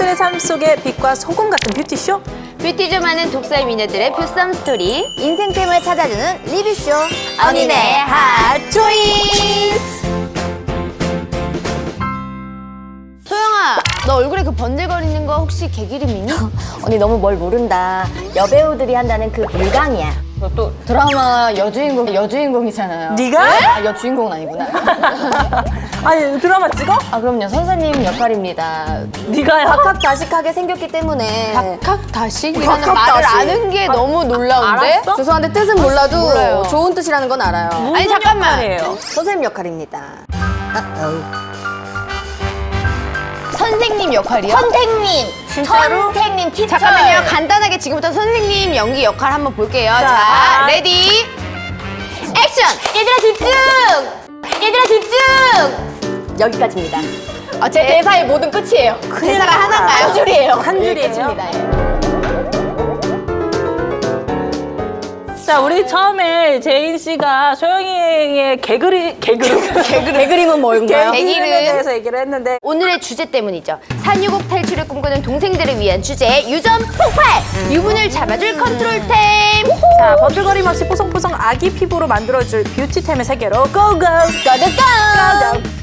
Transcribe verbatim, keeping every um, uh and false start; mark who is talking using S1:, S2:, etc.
S1: 그들의 삶 속의 빛과 소금 같은 뷰티쇼.
S2: 뷰티 좀 하는 독살 미녀들의 뷰썸 스토리.
S3: 인생템을 찾아주는 리뷰쇼
S2: 언니네 핫 초이스. 소영아, 너 얼굴에 그 번들거리는 거 혹시 개기름이니?
S3: 언니 너무 뭘 모른다. 여배우들이 한다는 그 물광이야.
S2: 너 또 드라마 여주인공 여주인공이잖아요.
S1: 네가?
S2: 아, 여주인공은 아니구나.
S1: 아니 드라마 찍어?
S2: 아 그럼요, 선생님 역할입니다.
S1: 네가야?
S3: 박학다식하게 생겼기 때문에
S2: 박학다식이라는
S3: 박학다식.
S2: 말을 아는 게 너무 놀라운데?
S1: 알았어?
S3: 죄송한데 뜻은 몰라도
S2: 몰라요.
S3: 좋은 뜻이라는 건 알아요.
S2: 아니 잠깐만.
S1: 역할이에요?
S3: 선생님 역할입니다.
S2: 선생님 역할이요?
S3: 선생님!
S1: 진짜로?
S3: 선생님 티처!
S2: 잠깐만요. 간단하게 지금부터 선생님 연기 역할 한번 볼게요. 자,
S1: 자.
S2: 레디, 액션!
S3: 얘들아 집중! 얘들아 집중! 여기까지입니다.
S2: 아, 제 대사의 모든 끝이에요. 대사가 하나인가요?
S3: 한 줄이에요.
S1: 한 줄이에요?
S2: 끝입니다. 예.
S1: 자, 우리 처음에 제인 씨가 소영이의 개그리 개그름
S3: 개그림은 뭔가요?
S2: 개그림.
S1: 개그림에 대해서 얘기를 했는데
S2: 오늘의 주제 때문이죠. 산유국 탈출을 꿈꾸는 동생들을 위한 주제, 유전 폭발! 유분을 잡아줄 컨트롤템!
S1: 자, 번들거림 없이 뽀송뽀송 아기 피부로 만들어줄 뷰티템의 세계로 고고!
S3: 고고고!